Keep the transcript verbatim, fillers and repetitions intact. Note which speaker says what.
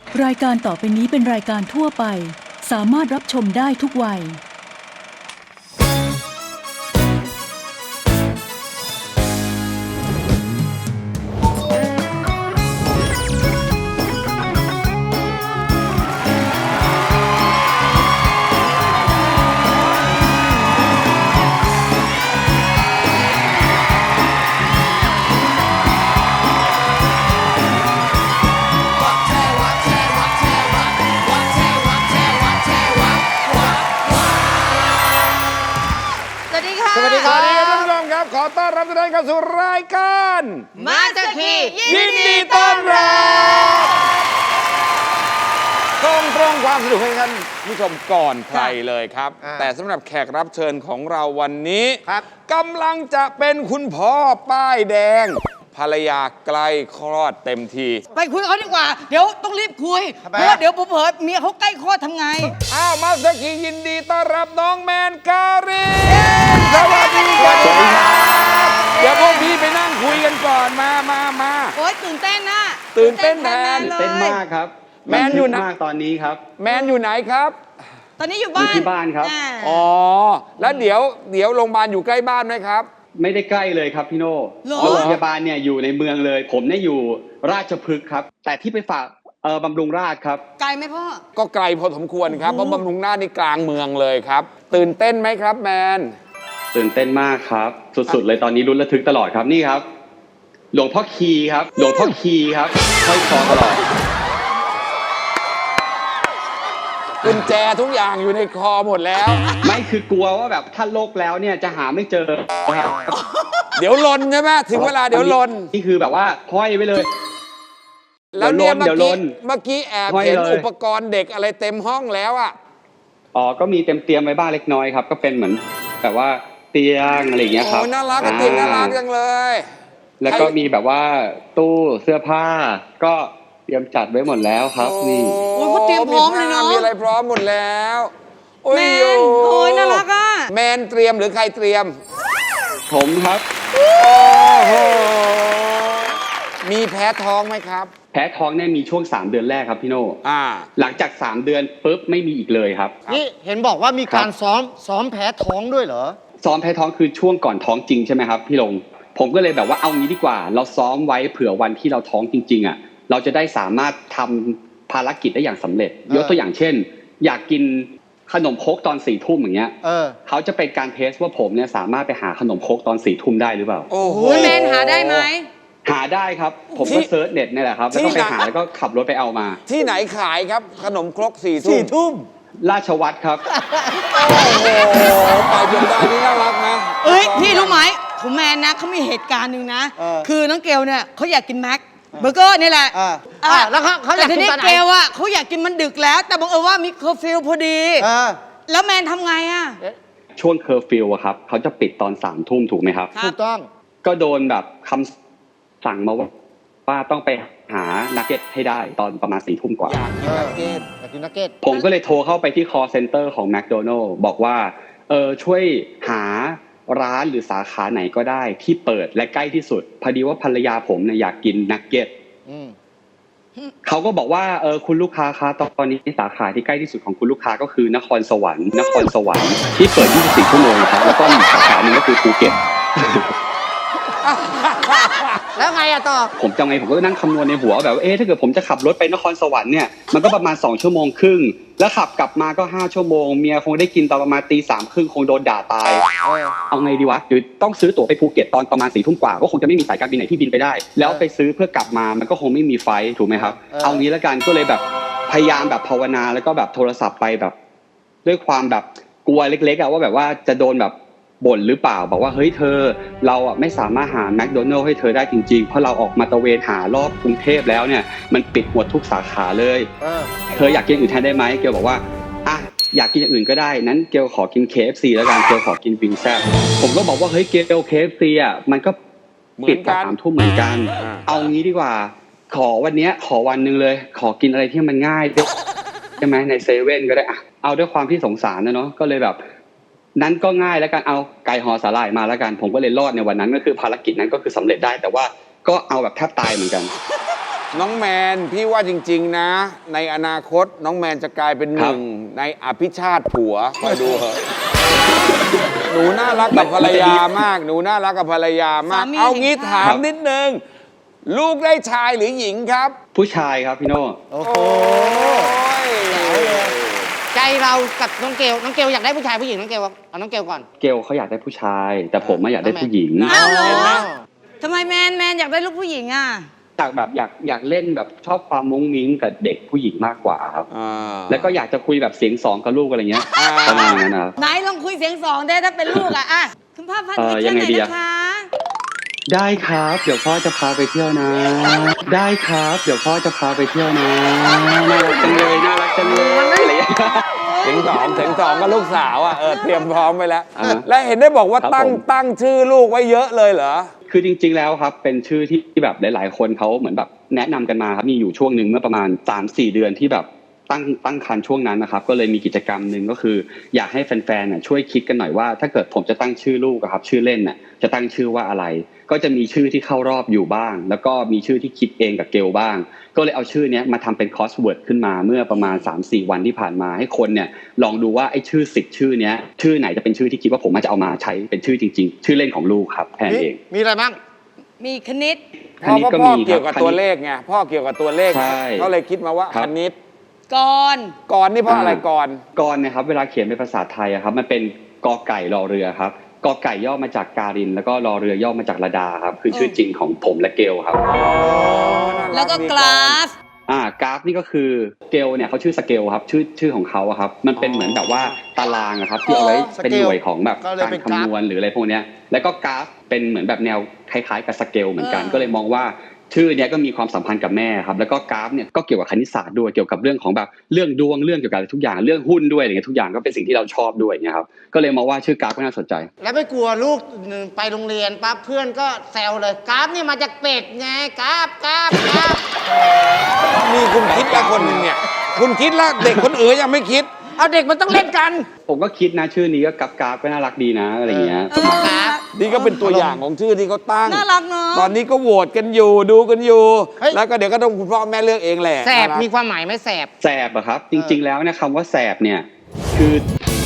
Speaker 1: รายการต่อไปนี้เป็นรายการทั่วไปสามารถรับชมได้ทุกวัย
Speaker 2: สวัสดีครับท่านผู้ชมครับขอต้อนรับทุกท่านเข้าสู่รายการ
Speaker 3: มาสเตอร์คี
Speaker 2: ยินดีต้อนรับส่งตรงความสนุกให้ท่านผู้ชมก่อนใครเลยครับแต่สำหรับแขกรับเชิญของเราวันนี้กำลังจะเป็นคุณพ่อป้ายแดงภรรยาใกล้คลอดเต็มที
Speaker 3: ไปคุยกับเขาดีกว่าเดี๋ยวต้องรีบคุยเพราะว่าเดี๋ยวเผลอๆเมียเขาใกล้คลอดทำไง
Speaker 2: อ้าวมาสเตอร์คียินดีต้อนรับน้องแมนการินสวัสดีครับเดี๋ยวพวกพี่ไปนั่งคุยกันก่อนมามามา
Speaker 3: โอ๊ยตื่นเต้นนะ
Speaker 2: ตื่นเต้นแทน
Speaker 4: ตื่นเต้นมากครับ
Speaker 2: แมนอยู่
Speaker 4: มากตอนนี้ครับ
Speaker 2: แมนอยู่ไหนครับ
Speaker 3: ตอนนี้อยู่บ้าน
Speaker 4: ที่บ้านครับ
Speaker 2: อ๋อแล้วเดี๋ยวเดี๋ยวโรงพยาบาลอยู่ใกล้บ้านไหมครับ
Speaker 4: ไม่ได้ใกล้เลยครับพี่โน่โรงพยาบาลเนี่ยอยู่ในเมืองเลยผมเนี่ยอยู่ราชพฤกษ์ครับแต่ที่ไปฝากเออบำรุงราษฎร์ครับ
Speaker 3: ไกลไหมพ่อ
Speaker 2: ก็ไกลพอสมควรครับเพราะบำรุงราษฎร์นี่กลางเมืองเลยครับตื่นเต้นไหมครับแมน
Speaker 4: ตื่นเต้นมากครับสุดๆเลยตอนนี้ลุ้นระทึกตลอดครับนี่ครับหลวงพ่อคีครับหลวงพ่อคีครับห้อยคอตลอด
Speaker 2: กุญแจทุกอย่างอยู่ในคอหมดแล้ว
Speaker 4: ไม่คือกลัวว่าแบบถ้าโลกแล้วเนี่ยจะหาไม่เจอ
Speaker 2: เดี๋ยวลนใช่ไหมถึงเวลาเดี๋ยวลน
Speaker 4: นี่คือแบบว่าห้อยไว้เลย
Speaker 2: แล้วเนี่ยเมื่อกี้เมื่อกี้แอบเห็นอุปกรณ์เด็กอะไรเต็มห้องแล้วอ่ะ
Speaker 4: อ๋อก็มีเต็มเตรียมไว้บ้างเล็กน้อยครับก็เป็นเหมือนแบบว่าเตียงอะไรอย่างเงี้ยครับ
Speaker 2: โอ้น่ารักเตียงน่ารักจังเลย
Speaker 4: แล้วก็มีแบบว่าตู้เสื้อผ้าก็เตรียมจัดไว้หมดแล้วครับนี่
Speaker 3: โอ้ยเขาเตรียมพร้อมเลยเนาะ
Speaker 2: มีอะไรพร้อมหมดแล้ว
Speaker 3: แมนโอ้ยน่ารักอ่ะ
Speaker 2: แมนเตรียมหรือใครเตรียม
Speaker 4: ผมครับ
Speaker 2: โอ้โหมีแพ้ท้องไหมครับ
Speaker 4: แพ้ท้องเนี่ยมีช่วงสามเดือนแรกครับพี่โน่อ่าหลังจากสามเดือนปุ๊บไม่มีอีกเลยครับ
Speaker 5: นี่เห็นบอกว่ามีการซ้อมซ้อมแพ้ท้องด้วยเหรอ
Speaker 4: ซ้อมแพ้ท้องคือช่วงก่อนท้องจริงใช่ไหมครับพี่ลงผมก็เลยแบบว่าเอางี้ดีกว่าเราซ้อมไว้เผื่อวันที่เราท้องจริงๆอ่ะเราจะได้สามารถทำภารกิจได้อย่างสำเร็จยกตัวอย่างเช่นอยากกินขนมโคกตอนสี่ทุ่มอย่างเงี้ยเออเขาจะเป็นการเทสว่าผมเนี่ยสามารถไปหาขนมโคกตอนสี่ทุ่มได้หรือเปล่า
Speaker 3: โอ้โหแมนหาได้ไหม
Speaker 4: หาได้ครับผมก็เซิร์ชเน็ตนี่แหละครับแล้วก็ไปหาแล้วก็ขับรถไปเอามา
Speaker 2: ที่ไหนขายครับขนมครกสี่ทุ่มสี่ทุ่ม
Speaker 4: ราชวัตรครับ
Speaker 2: โอ้โหไปจนได้นี่น่ารักนะ
Speaker 3: เอ้ยพี่รู้ไหมผมแมนนะเขามีเหตุการณ์หนึ่งนะคือน้องเกลเนี่ยเขาอยากกินแม็กเบอร์เกอร์นี่แหละ
Speaker 5: อ่าแล้วเขาเขาอยากกินตอนไหน
Speaker 3: เกลอ่ะเขาอยากกินมันดึกแล้วแต่บังเอิญว่ามีเคอร์ฟิวพอดีแล้วแมนทำไงอ่ะ
Speaker 4: ช่วงเคอร์ฟิวอะครับเขาจะปิดตอนสามทุ่มถูกไหมครับ
Speaker 5: ถูกต้อง
Speaker 4: ก็โดนแบบคำสั่งมาว่าป้าต้องไปหานักเก็ตให้ได้ตอนประมาณสี่ทุ่มกว่า
Speaker 2: อยากกินนักเก็ต
Speaker 5: อยากกินนักเก็ต
Speaker 4: ผมก็เลยโทรเข้าไปที่ call center ของ แมคโดนัลด์ บอกว่าเออช่วยหาร้านหรือสาขาไหนก็ได้ที่เปิดและใกล้ที่สุดพอดีว่าภรรยาผมเนี่ยอยากกินนักเก็ตเขาก็บอกว่าเออคุณลูกค้าคะตอนนี้สาขาที่ใกล้ที่สุดของคุณลูกค้าก็คือนครสวรรค์นครสวรรค์ที่เปิดยี่สิบสี่ชั่วโมงครับแล้วก็มีสาขาหนึ่งก็คือภูเก็ต
Speaker 5: แล้วไงอะต่อ
Speaker 4: ผมจะไงผมก็นั่งคำนวณในหัวแบบเอ๊ะถ้าเกิดผมจะขับรถไปนครสวรรค์เนี่ยมันก็ประมาณสองชั่วโมงครึ่งแล้วขับกลับมาก็ห้าชั่วโมงเมียคงได้กินตอนประมาณตีสามครึ่งคงโดนด่าตายเอาไงดีวะหรือต้องซื้อตั๋วไปภูเก็ตตอนประมาณสี่ทุ่มกว่าก็คงจะไม่มีสายการบินไหนที่บินไปได้แล้วไปซื้อเพื่อกลับมามันก็คงไม่มีไฟถูกไหมครับเอางี้แล้วกันก็เลยแบบพยายามแบบภาวนาแล้วก็แบบโทรศัพท์ไปแบบด้วยความแบบกลัวเล็กๆอะว่าแบบว่าจะโดนแบบบ่นหรือเปล่าบอกว่าเฮ้ยเธอเราอ่ะไม่สามารถหาแมคโดนัลด์ให้เธอได้จริงๆเพราะเราออกมาตะเวนหารอบกรุงเทพแล้วเนี่ยมันปิดหมดทุกสาขาเลยเธออยากกินอื่นแทนได้ไหมเกลบอกว่าอ่ะอยากกินอย่างอื่นก็ได้นั้นเกลขอกิน เค เอฟ ซี แล้วกันเกลขอกินวิงแซ่บผมก็บอกว่าเฮ้ยเกล เค เอฟ ซี อ่ะมันก็ปิดตอนสามทุ่มเหมือนกันเอางี้ดีกว่าขอวันนี้ขอวันนึงเลยขอกินอะไรที่มันง่ายใช่ไหมในเซเว่นก็ได้อ่ะเอาด้วยความที่สงสารนะเนาะก็เลยแบบนั้นก็ง่ายแล้วกันเอาไก่ห่อสาหร่ายมาแล้วกันผมก็เลยรอดในวันนั้นก็คือภารกิจนั้นก็คือสำเร็จได้แต่ว่าก็เอาแบบแทบตายเหมือนกัน
Speaker 2: น้องแมนพี่ว่าจริง ๆ นะ ในอนาคตน้องแมนจะกลายเป็นหนึ่งในอภิชาติผัวคอยดูเหอะหนูน่ารักกับภรรยามาก หนูน่ารักกับภรรยามาก
Speaker 3: สามี
Speaker 2: เอางี้
Speaker 3: แห่งชา
Speaker 2: ถา
Speaker 3: ติ
Speaker 2: มนิดนึง ลูกได้ชายหรือหญิงครับ
Speaker 4: ผู้ชายครับพี่โน่
Speaker 5: โอ้โห
Speaker 6: ใจเรากับน้องเกลน้องเกลอยากได้ผู้ชายผู้หญิงน้องเกลเอาน้องเกลก่อน
Speaker 4: เกลเขาอยากได้ผู้ชาย แต่ผมไม่อยากได้ผู้หญิง
Speaker 3: อ้าวเหร
Speaker 2: เห็นไหม
Speaker 3: อทำไมแมนแมนอยากได้ลูกผู้หญิงอ่ะ
Speaker 4: อยากแบบอยากอยากเล่นแบบชอบความมุ้งมิ้งกับเด็กผู้หญิงมากกว่าครับ
Speaker 2: อ่า
Speaker 4: แล้วก็อยากจะคุยแบบเสียงสองกับลูกอะไรเงี้ย
Speaker 2: อ่า
Speaker 4: ประมาณนั้นนะครับ
Speaker 3: ไหนลองคุยเสียงสองได้ถ้าเป็นลูกอ่ะอ่ะคุณพ่อพัน
Speaker 4: เอ่
Speaker 3: ธุ์
Speaker 4: อ
Speaker 3: เที่ยว
Speaker 4: ยัง
Speaker 3: ไห
Speaker 4: ไง
Speaker 3: น
Speaker 4: ดีอะ
Speaker 3: นะคะ
Speaker 4: ได้ครับเดี๋ยวพ่อจะพาไปเที่ยวนะ ได้ครับเดี๋ยวพ่อจะพาไปเที่ยวนะน่ารักจังเลยน่ารักจังเลยอะไรอย่างเงี้ย
Speaker 2: ถึงสองถึงสองก็ลูกสาวอ่ะเออเตรียมพร้อมไปแล้ว
Speaker 4: อ่า
Speaker 2: และเห็นได้บอกว่า
Speaker 4: ครับ
Speaker 2: ตั้ง
Speaker 4: ผม
Speaker 2: ตั้งชื่อลูกไว้เยอะเลยเหรอ
Speaker 4: คือจริง ๆแล้วครับเป็นชื่อที่ที่แบบหลายๆ คนเขาเหมือนแบบแนะนำกันมาครับมีอยู่ช่วงหนึ่งเมื่อประมาณ สามสี่เดือนที่แบบตั้งตั้งครรภ์ช่วงนั้นนะครับก็เลยมีกิจกรรมหนึ่งก็คือ อยากให้แฟนๆน่ะช่วยคิดกันหน่อยว่าถ้าเกิดผมจะตั้งชื่อลูกอะครับชื่อเล่นน่ะจะตั้งชื่อว่าอะไร ก็จะมีชื่อที่เข้ารอบอยู่บ้าง แล้วก็มีชื่อที่คิดเองกับเกลบ้าง ก็เลยเอาชื่อเนี้ยมาทำเป็นคอสเวิร์ดขึ้นมาเมื่อประมาณ สามสี่ วันที่ผ่านมาให้คนเนี่ยลองดูว่าไอ้ชื่อสิบชื่อเนี้ยชื่อไหนจะเป็นชื่อที่คิดว่าผมอาจจะเอามาใช้เป็นชื่อจริง ๆ ชื่อเล่นของลูกครับแค่นั้นเอง
Speaker 5: มีอะไรบ้าง
Speaker 3: มีคณิต
Speaker 2: พ่อก็
Speaker 4: คณิตก็
Speaker 2: พ่อ
Speaker 4: มี
Speaker 2: เกี่ยวกับ
Speaker 4: ครับ
Speaker 2: ตัวเลขไงพ่อเกี่ยวกับตัวเลข
Speaker 4: ใช่
Speaker 2: เขาเลยคิดมาว่า
Speaker 4: ครั
Speaker 2: ค
Speaker 4: บ
Speaker 2: ณิต
Speaker 3: ก่อน
Speaker 2: ก่อนนี่เพราะอะไรก่อน
Speaker 4: ก่อนนะครับเวลาเขียนเป็นภาษาไทยอะครับมันเป็นกอไก่รอเรือครับกอไก่ย่อมาจากการิน แล้วก็รอเรือย่อมาจากระดาครับคือชื่อจริงของผมและเกลครับ
Speaker 3: แล้วก็กราฟ
Speaker 4: อ่ากราฟนี่ก็คือเกลเนี่ยเขาชื่อสเกลครับชื่อชื่อของเขาอะครับมันเป็นเหมือนแบบว่าตารางอะครับที่เอาไว้
Speaker 5: อ๋อ
Speaker 4: เป็นหน่วยของแบบ
Speaker 5: ก็เลย
Speaker 4: การ
Speaker 5: เป็นกราฟ
Speaker 4: คำนวณหรืออะไรพวกเนี้ยแล้วก็กราฟเป็นเหมือนแบบแนวคล้ายๆกับสเกลเหมือนกัน
Speaker 3: เออ
Speaker 4: ก็เลยมองว่าชื่อเนี้ยก็มีความสัมพันธ์กับแม่ครับแล้วก็กราฟเนี่ยก็เกี่ยวกับคณิตศาสตร์ด้วยเกี่ยวกับเรื่องของแบบเรื่องดวงเรื่องเกี่ยวกับทุกอย่างเรื่องหุ้นด้วยอะไรเงี้ยทุกอย่างก็เป็นสิ่งที่เราชอบด้วยเนี่ยครับก็เลยมองว่าชื่อกราฟก็น่าสนใจ
Speaker 6: แล้วไม่กลัวลูกไปโรงเรียนปั๊บเพื่อนก็แซวเลยกราฟนี่มาจากเป็ดไงกราฟกราฟกราฟ
Speaker 2: มีคุณคิดละคนหนึ่งเนี่ย คุณคิดละเด็กคนอื่นยังไม่คิด
Speaker 6: เอาเด็กมันต้องเล่นกัน
Speaker 4: ผมก็คิดนะชื่อนี้ก็กราฟกราฟก็น่ารักดีนะอะไรเงี้ย
Speaker 3: เออ
Speaker 6: ครับ
Speaker 2: นี่ก็เป็นตัวอย่างของชื่อที่เขาตั้ง
Speaker 3: น่ารักเนอะ
Speaker 2: ตอนนี้ก็โหวตกันอยู่ดูกันอยู่
Speaker 6: เฮ้ย
Speaker 2: แล้วก็เดี๋ยวก็ต้องคุณพ่อแม่เลือกเองแหละ
Speaker 6: แสบ
Speaker 2: น่ารัก
Speaker 6: มีความหมายไหมแสบ
Speaker 4: แสบอะครับ จริง ๆ แล้วเนะคำว่าแสบเนี่ยคือ